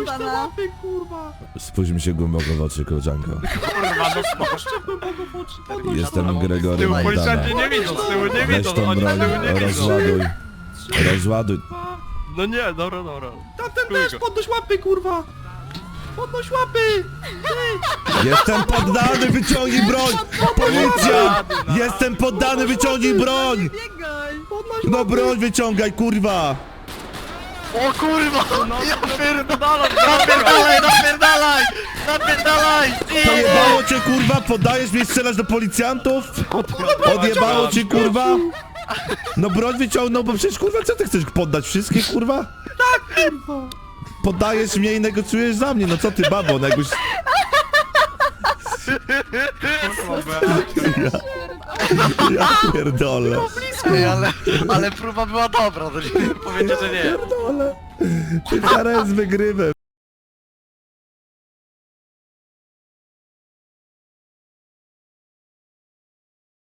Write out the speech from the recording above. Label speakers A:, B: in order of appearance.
A: Podnoś te
B: pana.
A: łapy, kurwa.
C: Spójrz mi się głęboko w oczy, koleżanko.
D: Kurwa, no spokojnie.
A: Głęboko w oczy, podnoś
C: Jestem
A: to.
C: Gregory
D: Z tyłu
C: Majdana.
D: policjanci nie widzą, z tyłu nie
C: Weź
D: widzą,
C: tą
D: oni z
C: broń,
D: tyłu nie widzą.
C: rozładuj. Rozładuj.
D: No nie, dobra, dobra.
A: Tamten
D: Chuj
A: też,
D: go.
A: podnoś łapy, kurwa. Podnoś łapy.
C: Jestem poddany, wyciągnij broń! Policja! Jestem poddany, wyciągnij broń!
B: Biegaj!
A: Podnoś
C: No
A: łapy.
C: broń wyciągaj, kurwa!
D: O kurwa! Ja pierdolę! Napierdalaj, napierdalaj! Napierdalaj!
C: Pojebało cię, kurwa? Poddajesz mnie strzelać do policjantów? Odjebało cię, kurwa? No broń wyciągnął, bo przecież, kurwa, co ty chcesz poddać? Wszystkie, kurwa?
A: Kurwa.
C: Poddajesz mnie i negocjujesz za mnie, no co ty, babo, no jakbyś... Ja pierdolę.
D: Ej, ale próba była dobra, to nie powiecie, że nie.
C: Pierdolę. Ty teraz z wygrywem.